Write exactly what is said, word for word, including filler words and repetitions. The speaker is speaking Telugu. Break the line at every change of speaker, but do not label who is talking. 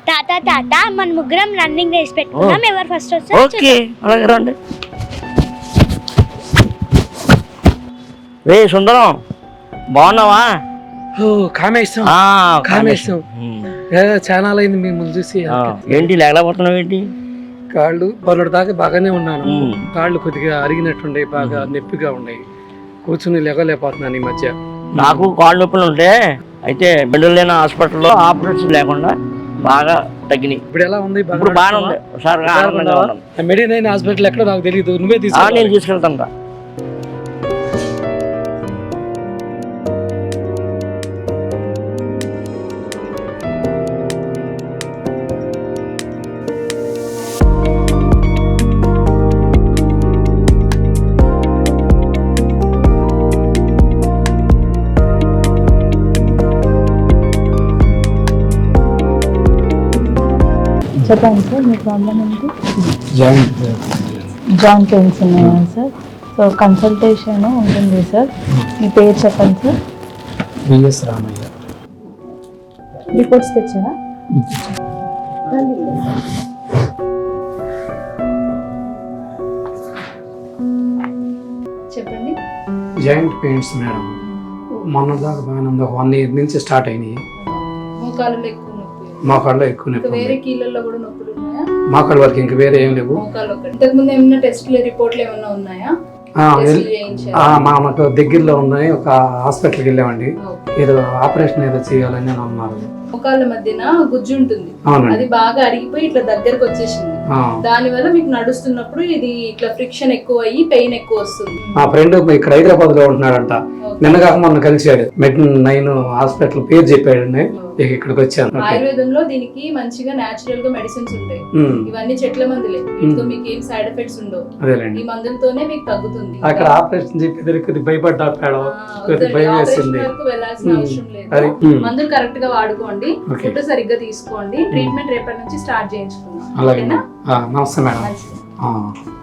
తాత తాత మన ముగ్గురం రన్నింగ్ రేస్ పెట్టుకున్నాం, ఎవరు ఫస్ట్ వస్తారు?
ఓకే, అలాగే రండి. రే సుందరం, బాగున్నావా?
ఓ కామేశం,
ఆ,
కామేశం. చాలా అయింది మిమ్మల్ని చూసి.
ఏంటి లేకపోతున్నావు ఏంటి?
కాళ్ళు బరుడు దాకా బాగానే ఉన్నాను, కాళ్ళు కొద్దిగా అరిగినట్టుండే, బాగా నొప్పిగా ఉన్నాయి, కూర్చుని లేగలేకపోతున్నాను ఈ మధ్య.
నాకు కాళ్ళు నొప్పులు ఉంటే అయితే బెండలేని హాస్పిటల్లో ఆపరేషన్ లేకుండా బాగా తగ్గినాయి.
ఇప్పుడు ఎలా ఉంది?
ఇప్పుడు బాగానే ఉంది సార్.
మెడినైన్ హాస్పిటల్ ఎక్కడ నాకు తెలియదు, నువ్వే తీసుకు.
నేను తీసుకెళ్తాను రా.
చెప్పండి సార్, మీ ప్రాబ్లం ఏంటి?
జాయింట్
జాయింట్ పెయిన్స్ ఉన్నాయా సార్? సో కన్సల్టేషన్ ఉంటుంది సార్. మీ పేరు చెప్పండి సార్.
విఎస్ రామయ్య.
రిపోర్ట్స్ తెచ్చారా? చెప్పండి.
జాయింట్ పెయిన్స్ మేడం, మొన్న దాకా బాగానే ఉంది, ఒక వన్ ఇయర్ నుంచి స్టార్ట్ అయినాయి.
మోకాళ్ళలో ఎక్కువ నొప్పి,
మోకాళ్ళలో ఎక్కువ నొప్పి,
వేరే కీళ్ళల్లో కూడా నొప్పులు ఉన్నాయా?
మోకాళ్ళ వరకు ఇంకా వేరే ఏం లేవు.
మోకాళ్ళు ఒకటి. ఇంతకు ముందు ఏమైనా టెస్టులు రిపోర్ట్లు ఏమైనా ఉన్నాయా?
మాకు దగ్గరలో ఉన్నాయి, ఒక హాస్పిటల్కి వెళ్ళామండి, ఏదో ఆపరేషన్ ఏదో చేయాలని అన్నారు.
మోకాళ్ళ మధ్యన గుజ్జు ఉంటుంది, అది బాగా అరిగిపోయి ఇట్లా దగ్గరకు వచ్చేసింది. దాని వల్ల మీకు నడుస్తున్నప్పుడు ఇది ఇట్లా ఫ్రిక్షన్ ఎక్కువ అయ్యి పెయిన్ ఎక్కువ వస్తుంది.
మా ఫ్రెండ్ ఇక్కడ హైదరాబాద్ లో ఉంటున్నాడంట, నిన్నగాక మొన్న కలిసాడు, మెడ్ నైన్ హాస్పిటల్ పేరు చెప్పాడండి, ఇక్కడికి వచ్చాను.
ఆయుర్వేదంలో దీనికి మంచిగా నేచురల్ గా మెడిసిన్స్ ఉంటాయి, ఇవన్నీ చెట్ల మందులే, వీటితో మీకు ఏం సైడ్ ఎఫెక్ట్స్ ఉండవు. ఈ మందులతోనే మీకు తగ్గుతుంది.
అక్కడ ఆపరేషన్ చెప్పి భయపడ్డా, భయం వేసింది.
వెళ్ళాల్సిన అవసరం లేదు, మందులు కరెక్ట్ గా వాడుకోండి, ఫుడ్ సరిగ్గా తీసుకోండి, ట్రీట్మెంట్ రేపటి నుంచి స్టార్ట్ చేయించుకుందాం.
నమస్తే మేడం.